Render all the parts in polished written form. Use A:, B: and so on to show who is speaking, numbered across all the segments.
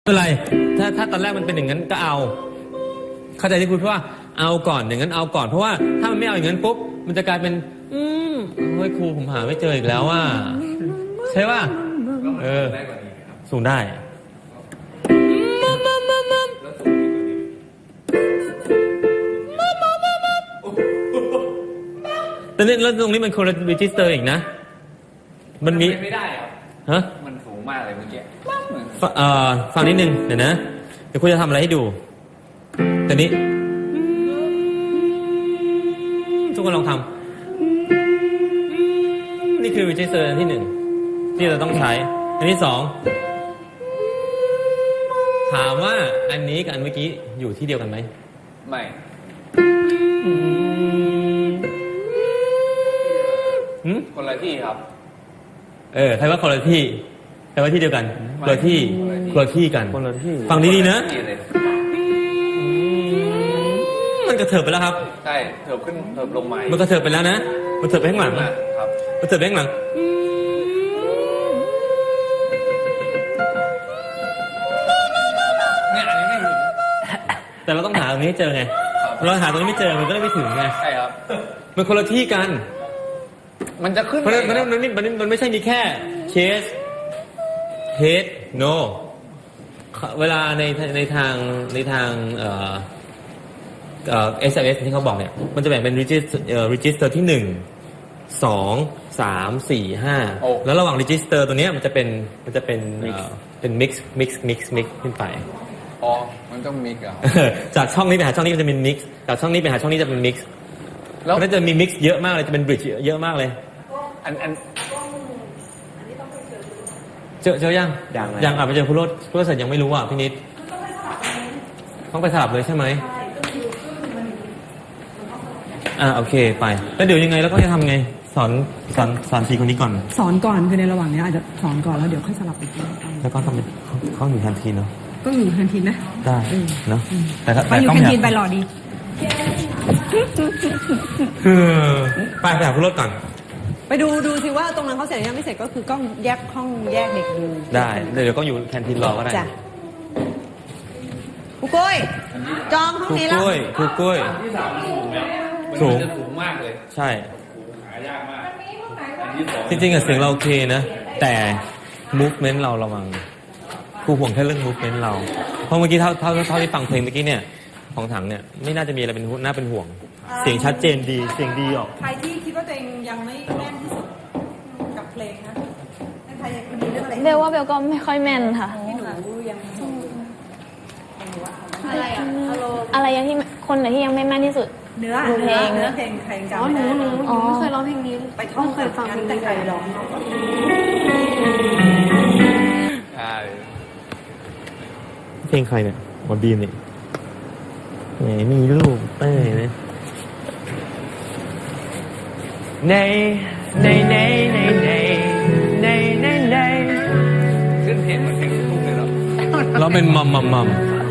A: ไม่เป็นไรถ้าตอนแรกมันเป็นอย่างนั้นก็เอาเข้าใจที่คุณพูดว่าเอาก่อนอย่างนั้นเอาก่อนเพราะว่าถ้ามันไม่เอาอย่างนั้นปุ๊บมันจะกลายเป็นเฮ้ยครูผมหาไม่เจออีกแล้วว่าใช่ป่ะสูงได้แต่นี่แล้วตรงนี้มันคนละรีจิสเตอร์อีกนะมันมี
B: ไม่ได้ครับ
A: ฮะ
B: มันสูงมากเลยเมื่อกี้
A: ฟังนิดนึงเดี๋ยวนะเดี๋ยวคุณจะทำอะไรให้ดูแต่นี้ทุกคนลองทำนี่คือรีจิสเตอร์อันที่หนึ่งที่เราต้องใช้อันที่สองถามว่าอันนี้กับอันเมื่อกี้อยู่ที่เดียวกันไหม
B: ไม่คนละที่ครับ
A: ใครว่าคนละที่ใครว่าที่เดียวกันคนละที่คนละที่กันฟังดีๆนะมันกระเถิบไปแล้วครับ
B: ใช่เถิบขึ้นเถิบลงมา
A: มันกระเถิบไปแล้วนะมันเถิบไปข้างหลัง
B: ครับ
A: มันเถิบไปข้างหลัง
B: เนี่ยอันนี้ไม่ถึง
A: แต่เราต้องหาตรงนี้ให้เจอไงเราหาตรงนี้ไม่เจอมันก็ไม่ถึงไง
B: ใช่ครับ
A: มันคนละที่กัน
B: มันจะขึ้น
A: เพราะมันไม่ใช่มีแค่เชสเฮดโนเวลาในทางSMS ที่เขาบอกเนี่ยมันจะแบ่งเป็น register ที่1 2 3 4 5แล้วระหว่าง register ตัวนี้มันจะเป็น mix ขึ้นไป
B: มันต้อง mix อ่ะ
A: จากช่องนี้ไปหาช่องนี้มันจะเป็น mix จากช่องนี้ไปหาช่องนี้จะเป็น mix แล้วมันจะมี mix เยอะมากเลยจะเป็น bridge เยอะมากเลยเจอยังไปเจอคุณโรจน์ยังไม่รู้อ่ะพี่นิดต้องไปสลับเลยใช่ไหมโอเคไปแล้วเดี๋ยวยังไงแล้วก็จะทำไงสอน4คนนี้ก่อน
C: สอนก่อนคือในระหว่างนี้อาจจะสอนก่อนแล้วเดี๋ยวค่อยสลับไปกิน
A: แล้วก็ต้องเขาอยู่แคนทีนเนาะ
C: ก็อยู่แคนทีนนะ
A: ได้เนาะ
C: แต่อยู่แคนทีนไปรอดี
A: ไปหาคุณโรจน์ก่อน
C: ไปดูสิว่าตรงนั้นเขาเสร็จยังไม่เสร็จก็คือต้องแยกห้องแยกเด็กดู
A: ได้เดี๋ยวก็อยู่แคนทีนรอก็ได้
C: ครูกุ้ยจองห้องนี้แล้ว
A: ครูกุ้ย
B: ที่สูงมากเลย
A: ใช่
B: หายากมาก
A: จริงๆเสียงเราโอเคนะแต่ movement เราระวังครูห่วงแค่เรื่อง movement เราเพราะเมื่อกี้เท่าที่ฟังเพลงเมื่อกี้เนี่ยของถังเนี่ยไม่น่าจะมีอะไรน่าเป็นห่วงเสียงชัดเจนดีเสียงดีออก
C: ใครที่คิดว่าตัวเองยังไม่แม่นที่สุดกับเพลงนะใครยังมีเรื่องอะไร
D: เบลว่าเบลก็ไม่ค่อยแม่นค่ะ
C: ที่หนูยัง
D: อะไรยังที่คนไหนที่ยังไม่แม่นที่สุด
C: เนื้อเพลงใครจำ
D: ไม่ได้หนูไม่เคยร้องเพลงนี้
C: ไปท่องเคยฟังแต่ใครร้อง
B: ใช่
A: เพลงใครเนี่ยบอลบีมเนี่ยไหนมีรูปเต้ยนะใน
B: ขึ้นเพลงมันเพลงลูกเลยเหรอ
A: เราเป็นมัม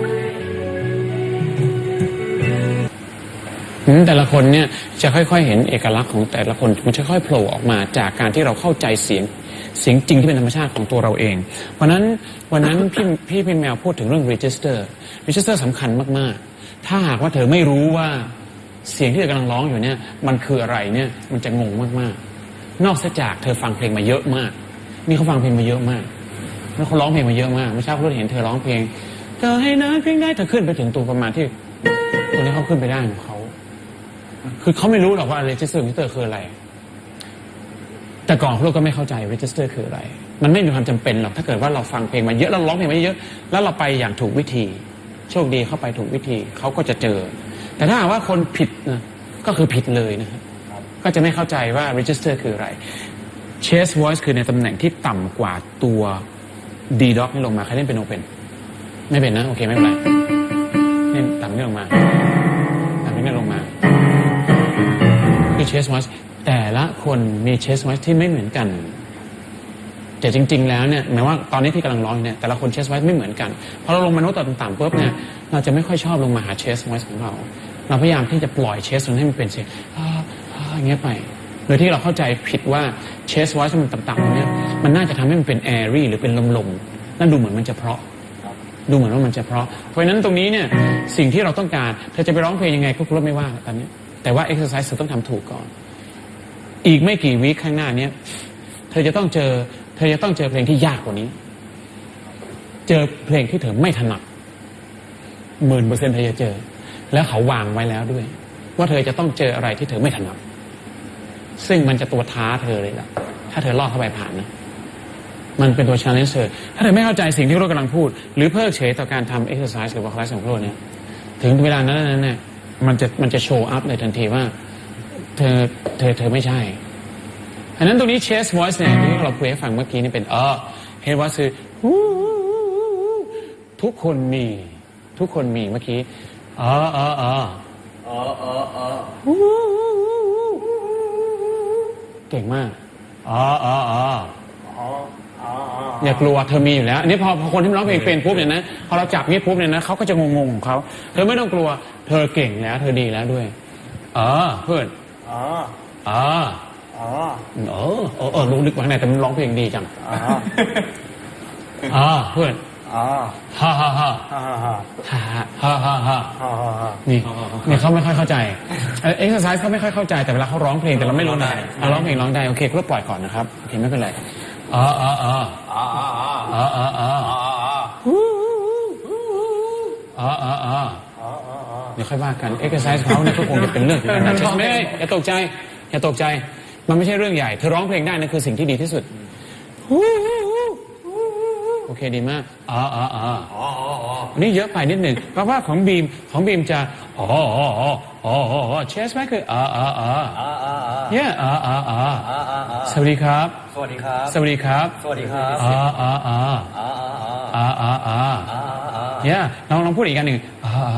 E: แต่ละคนเนี่ยจะค่อยๆเห็นเอกลักษณ์ของแต่ละคนมันจะค่อยๆโผล่ออกมาจากการที่เราเข้าใจเสียงจริงที่เป็นธรรมชาติของตัวเราเองวันนั้นพี่แมวพูดถึงเรื่อง register สำคัญมากๆถ้าหากว่าเธอไม่รู้ว่าเสียงที่เธอกำลังร้องอยู่เนี่ยมันคืออะไรเนี่ยมันจะงงมากๆนอกจากเธอฟังเพลงมาเยอะมากนี่เขาฟังเพลงมาเยอะมากแล้วเขาร้องเพลงมาเยอะมากเมื่อเช้าเราเห็นเธอร้องเพลงเธอให้นะเพลงได้เธอขึ้นไปถึงตัวประมาณที่ตัวนี้เขาขึ้นไปได้ของเขาคือเขาไม่รู้หรอกว่า register คืออะไรแต่ก่อนพวกเราก็ไม่เข้าใจ register คืออะไรมันไม่มีความจำเป็นหรอกถ้าเกิดว่าเราฟังเพลงมาเยอะแล้วร้องเพลงมาเยอะแล้วเราไปอย่างถูกวิธีโชคดีเข้าไปถูกวิธีเขาก็จะเจอแต่ถ้าหากว่าคนผิดนะก็คือผิดเลยนะครับก็จะไม่เข้าใจว่า register คืออะไร chest voice คือในตำแหน่งที่ต่ำกว่าตัว D dot นี่ลงมาใครเล่นเป็นโอเป็นไม่เป็นนะโอเคไม่เป็นไรนี่ต่ำนี่ลงมาต่ำนี่ลงมาคือ chest voice แต่ละคนมี chest voice ที่ไม่เหมือนกันแต่จริงๆแล้วเนี่ยหมายว่าตอนนี้ที่กำลังร้องเนี่ยแต่ละคน chest voice ไม่เหมือนกันพอเราลงมาโน้ตต่ำๆปุ๊บเนี่ยเราจะไม่ค่อยชอบลงมาหา chest voice ของเราพยายามที่จะปล่อย chest ให้มันเป็นเสียงอย่างเงี้ยไปโดยที่เราเข้าใจผิดว่า chest voice มันต่ำๆเนี่ยมันน่าจะทำให้มันเป็น airy หรือเป็นลมๆนั่นดูเหมือนมันจะเพราะดูเหมือนว่ามันจะเพราะฉะนั้นตรงนี้เนี่ยสิ่งที่เราต้องการเธอจะไปร้องเพลงยังไงก็ครูไม่ว่าตอนนี้แต่ว่า exercise เธอต้องทำถูกก่อนอีกไม่กี่วีคข้างหน้าเนี้ยเธอจะต้องเจอเพลงที่ยากกว่านี้เจอเพลงที่เธอไม่ถนัด10,000%เธอจะเจอแล้วเขาวางไว้แล้วด้วยว่าเธอจะต้องเจออะไรที่เธอไม่ถนัดซึ่งมันจะตัวท้าเธอเลยล่ะถ้าเธอลอดเข้าไปผ่านนะมันเป็นตัว challenge เธอถ้าเธอไม่เข้าใจสิ่งที่เรากำลังพูดหรือเพิกเฉยต่อการทำ exercise หรือว่า class ของเราเนี่ยถึงเวลานั้นเนี่ยมันจะโชว์อัพเลยทันทีว่าเธอไม่ใช่อันนั้นตรงนี้ chest voice เนี่ยที่เราคุยให้ฟังเมื่อกี้นี่เป็นhead voice คือทุกคนมีเมื่อกี้เก่งมากอย่ากลัวเธอมีอยู่แล้วอันนี้พอคนที่ร้องเพลงเป็นปุ๊บเนี่ยนะพอเราจับนี่ปุ๊บเนี่ยนะเขาก็จะงงของเขาเธอไม่ต้องกลัวเธอเก่งแล้วเธอดีแล้วด้วยเพื่อนรู้ลึกว่าไงแต่มันร้องเพลงดีจังเพื่อนฮ่านี่เขาไม่ค่อยเข้าใจเอ็กซ์ไซส์เขาไม่ค่อยเข้าใจแต่เวลาเขาร้องเพลงแต่เราไม่รู้นะร้องเพลงร้องได้โอเคก็ปล่อยก่อนนะครับโอเคไม่เป็นไรเดี๋ยวค่อยว่ากันเอ็กซ์ไซส์เขาเนี่ยก็คงจะเป็นเรื่องของการใช่ไหมอย่าตกใจมันไม่ใช่เรื่องใหญ่เธอร้องเพลงได้นั่นคือสิ่งที่ดีที่สุดโอเคดีมากนี่เยอะไปนิดหนึ่งเพราะว่าของบีมจะเชสไหมคือเนี่ยสวัสดีครับเนี่ยลองพูดอีกอันหนึ่ง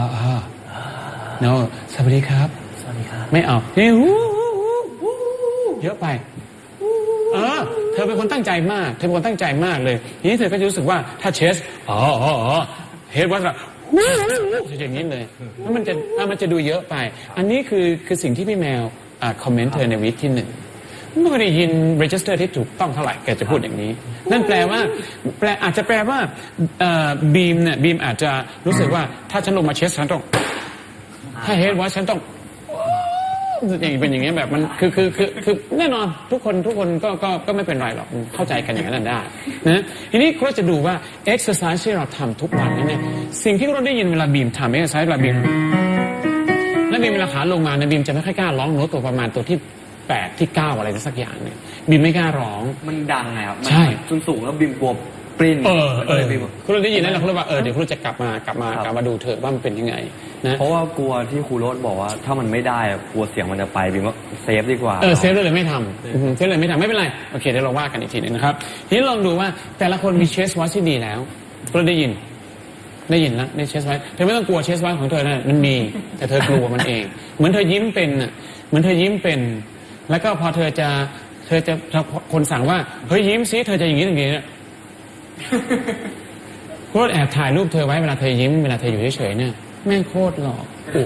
E: no สวัสดีครับไม่เอานี่เยอะไปเธอเป็นคนตั้งใจมากเลยทีนี้เธอก็จะรู้สึกว่าถ้าเชสเฮดวัดอย่างนี้เลยแล้วมันจะดูเยอะไปอันนี้คือสิ่งที่พี่แมวคอมเมนต์เธอในวีคที่1ไม่ได้ยิน register ที่ถูกต้องเท่าไหร่แกจะพูดอย่างนี้นั่นแปลว่าอาจจะแปลว่าบีมอาจจะรู้สึกว่าถ้าฉันลงมาเชสฉันต้องถ้าเฮดวัดฉันต้องอย่างเป็นอย่างนี้แบบมันคือแน่นอนทุกคนก็ไม่เป็นไรหรอกเข้าใจกันอย่างนั้นได้นะทีนี้เราจะดูว่า exercise ที่เราทำทุกวันนี้เนี่ยสิ่งที่เราได้ยินเวลาบีมทำ exercise เวลาบีมเวลาขาลงมาเนี่ยบีมจะไม่ค่อยกล้าร้องโน้ตตัวประมาณตัวที่8ที่9อะไรสักอย่างเนี่ยบีมไม่กล้าร้อง
B: มันดังไงครับ
E: ใช่
B: สูงแล้วบีมกลัวปริ้น
E: คุณได้ยินแล้วเราว่าเดี๋ยวคุณจะกลับมาดูเถอะว่ามันเป็นยังไงนะ
B: เพราะว่ากลัวที่ครูโรสบอกว่าถ้ามันไม่ได้กลัวเสียงมันจะไปบีมว่าเซฟดีกว่า
E: เซฟเลยไม่ทำไม่เป็นไรโอเคเดี๋ยวเราว่ากันอีกทีนึงนะครับทีนี้ลองดูว่าแต่ละคนมีเชสไวท์ที่ดีแล้วคุณได้ยินแล้วในเชสไวท์เธอไม่ต้องกลัวเชสไวท์ของเธอนะมันมีแต่เธอกลัวมันเองเหมือนเธอยิ้มเป็นแล้วก็พอเธอจะคนสั่งว่าเฮ้ยยิ้มซิเธอจะอย่างนี้เนี่ยโคตรแอบถ่ายรูปเธอไว้เวลาเธอยิ้มเวลาเธออยู่เฉยๆเนี่ยแม่งโคตรหล่อ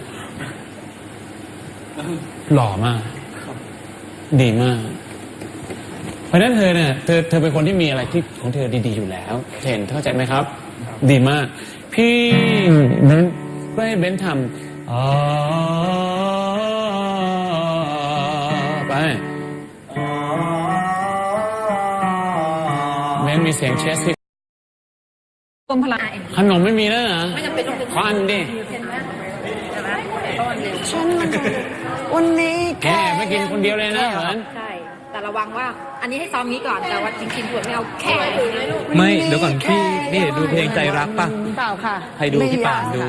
E: หล่อมากดีมากเพราะฉะนั้นเธอเนี่ยเธอเป็นคนที่มีอะไรที่ของเธอดีๆอยู่แล้วเห็นเข้าใจไหมครับดีมากพี่นั้นก็ให้เบนทำไปเบนมีเสียงเชสที่ขนมไม่มีแล้วนะไม่จำเป็นต้องเป็นควันดิฉันวันนี้แกไม่กินคนเดียวเลยนะเหรอ
F: ใช่แต่ระวังว่าอันนี้ให้ซ้อมงี้ก่อนแต่ว่าจริงๆถั่วไม่เอาแค่
A: ไม่เดี๋ยวก่อนพี่นี่ดูเพลงใจรักป่ะ
C: เปล่าค่ะ
A: ให้ดูที่ป่านดู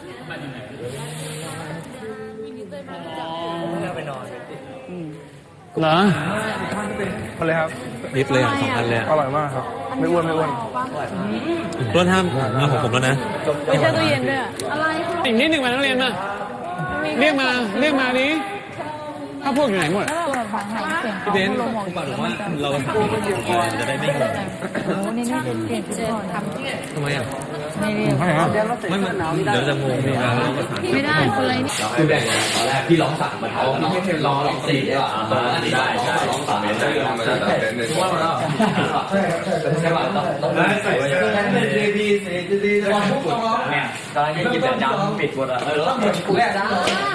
E: เหรอ
B: มาเลยครับ
A: นิดเลย2 อันเลย
B: อร่อยมากครับไม่อ้วน
A: รถห้ามของผมแล้วนะ
D: ไม่ใช่ตู้เย็นด้วยอะไร
E: อีกนิดหนึ่งมานักเรียนมาเรียกมาดิถ้าพวกอยู่ไหนหมด
G: ฟังหายเสียง
A: พี่เบนซ์คุณป่าบอกว่าเราถามจะได้ไม่งง
G: โอ้นี่นี่เปลี่ยนชุดก่อน
A: ทำไมอ่ะ
G: ไม่เรียก
A: ไม่มันเดี๋ยวจะงงเวลาเราประสาน
G: ไม่ได้คนไรนี่
B: คือแบ่งกันตอนแรกพี่ร้อง3มันเอาพี่ให้ร้อง4ได้ป่ะได้ใช่ร้อง3ได้ทุกวันแล้วใช่ป่ะต้องได้ใส่ไว้พี่เนี่ยตอนนี้กินแต่จำปิดหมดอ่ะต้องหมดกูแรกนะ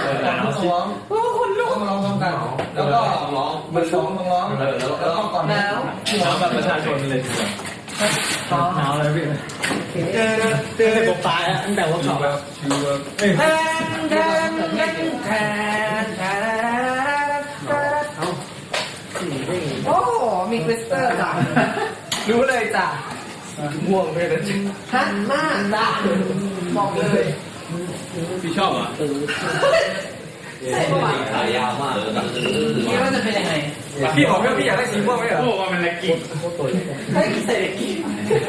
B: แล้วก็ร้องมันร้องแล้วก็ก่อนแล้วแบบประชาชนเลยหนาวเลยพี่เจอผมตายอ่ะตั้งแต่ว่าสอบแล้ว
C: โอ้โหมีคริสเตอร์จ้ะรู้เลยจ้ะ
B: ม่วงเลยนะ
C: ฮันมากจ้ะบอกเลย
A: พี่ชอบเหรอ
C: ใช่ป่ะ
B: ขายาวมาก
C: คิดว่าจะเป็นยังไง
B: พี่บอกว่าพี่อยากได้สีม่วงไหมเหรอ
A: โอ้ว่ามันละกิน
C: เฮ้ยเสร็จกิน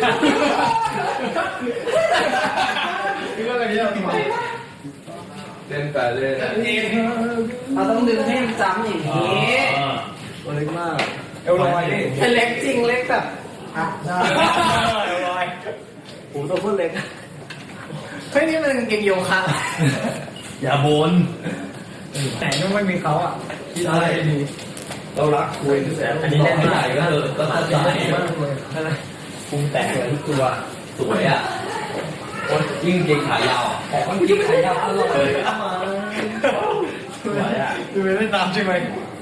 B: พี่ว่าอะไรเนี่ยเล่นแต่เล่น
C: เราต้องดึงให้มันจำอย่างนี้
B: ตัวเล็กมากเอวลอยนี่
C: แต่เล็กจริงเล็กแบบอ่ะได้
B: เอวลอยผมตัวพูดเล็ก
C: เฮ้ยนี่มันกางเกงโยคะ
A: อย่าบน
B: แต่ไม่มีเขาอ่ะที่ได้ดีเรารักคุยอันนี้เล่นไม่ได้ก็ก็ตัดใจมากเลยปรุงแต่งทุกตัวสวยอ่ะยิ่งเกงขายาวยิ่งขายาวอร่อยเลยสวยอ่ะดูไม่ตามใช่ไหม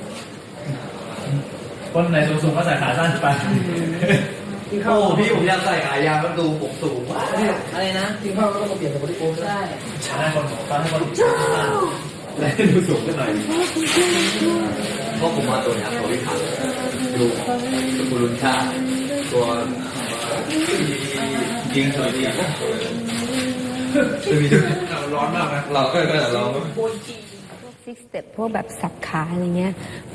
B: คนไหนสูงๆก็ใส่ขาสั้นไปโอ้พี่ผมอยากใส่ขายาวแล้วดูผมสูงมาก
C: อะไรนะ
B: กินข้าวก็ต้องมาเปลี่ยนกับคนที่โกง
C: ใช่
B: ใช่คนของฟ้าให้คนและดูสูงขึ้นหน่อยเพราะผมมาตัวนี้ตัวที่ขันดูคุณลุนชาตัวจริงสวยดีจะมีร้อนมากนะเราก็ร้อน
H: ซิกสเต็ปพวกแบบสับขาอะไรเงี้ย